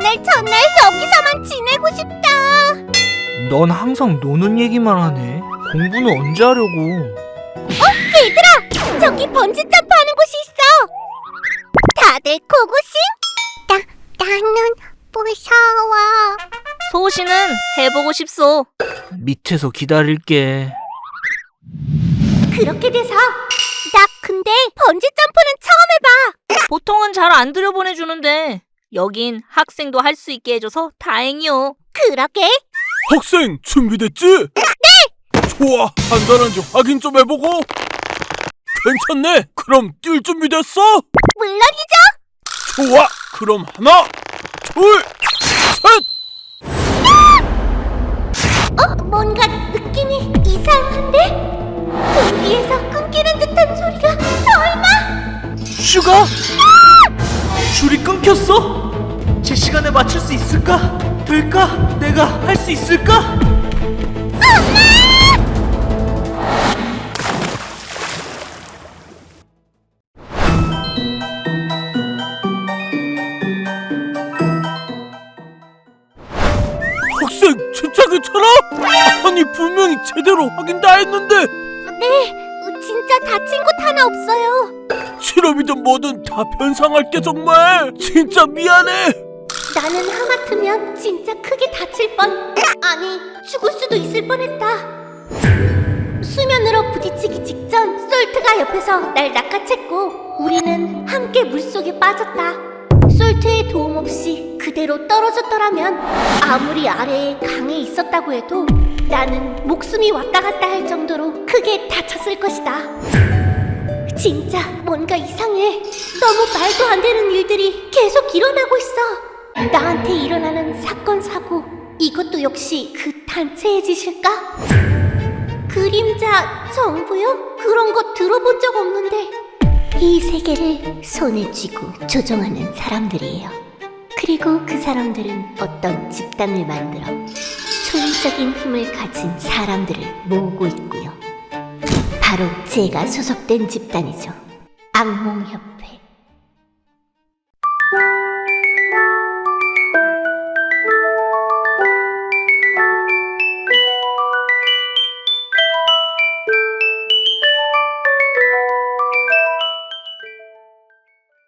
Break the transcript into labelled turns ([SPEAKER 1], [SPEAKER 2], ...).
[SPEAKER 1] 오늘 전날 여기서만 지내고 싶다.
[SPEAKER 2] 넌 항상 노는 얘기만 하네. 공부는 언제 하려고?
[SPEAKER 1] 얘들아! 저기 번지 점프하는 곳이 있어. 다들 고고싱? 나는 무서워.
[SPEAKER 3] 소시는 해보고 싶소.
[SPEAKER 2] 밑에서 기다릴게.
[SPEAKER 1] 그렇게 돼서 나 근데 번지 점프는 처음 해봐.
[SPEAKER 3] 보통은 잘 안 들여보내주는데 여긴 학생도 할 수 있게 해줘서 다행이요.
[SPEAKER 1] 그러게.
[SPEAKER 4] 학생 준비됐지? 네! 좋아, 간단한지 확인 좀 해보고. 괜찮네. 그럼 뛸 준비됐어?
[SPEAKER 1] 물론이죠.
[SPEAKER 4] 좋아, 그럼 하나, 둘, 셋!
[SPEAKER 1] 뭔가 느낌이 이상한데? 등 뒤에서 끊기는 듯한 소리가 설마?
[SPEAKER 2] 슈가? 줄이 끊겼어? 제 시간에 맞출 수 있을까? 될까? 내가 할 수 있을까?
[SPEAKER 4] 학생 진짜 괜찮아? 아니 분명히 제대로 확인 다 했는데.
[SPEAKER 1] 네, 진짜 다친 곳 하나 없어요.
[SPEAKER 4] 실험이든 뭐든 다 변상할게. 정말 진짜 미안해.
[SPEAKER 1] 나는 하마터면 진짜 크게 다칠 뻔, 아니 죽을 수도 있을 뻔했다. 수면으로 부딪히기 직전 솔트가 옆에서 날 낚아챘고 우리는 함께 물속에 빠졌다. 솔트의 도움 없이 그대로 떨어졌더라면 아무리 아래에 강에 있었다고 해도 나는 목숨이 왔다 갔다 할 정도로 크게 다쳤을 것이다. 진짜 뭔가 이상해. 너무 말도 안 되는 일들이 계속 일어나고 있어. 나한테 일어나는 사건 사고, 이것도 역시 그 단체의 짓일까? 그림자 정부요? 그런 거 들어본 적 없는데. 이 세계를 손에 쥐고 조종하는 사람들이에요. 그리고 그 사람들은 어떤 집단을 만들어 초인적인 힘을 가진 사람들을 모으고 있고요. 바로 제가 소속된 집단이죠. 악몽협회.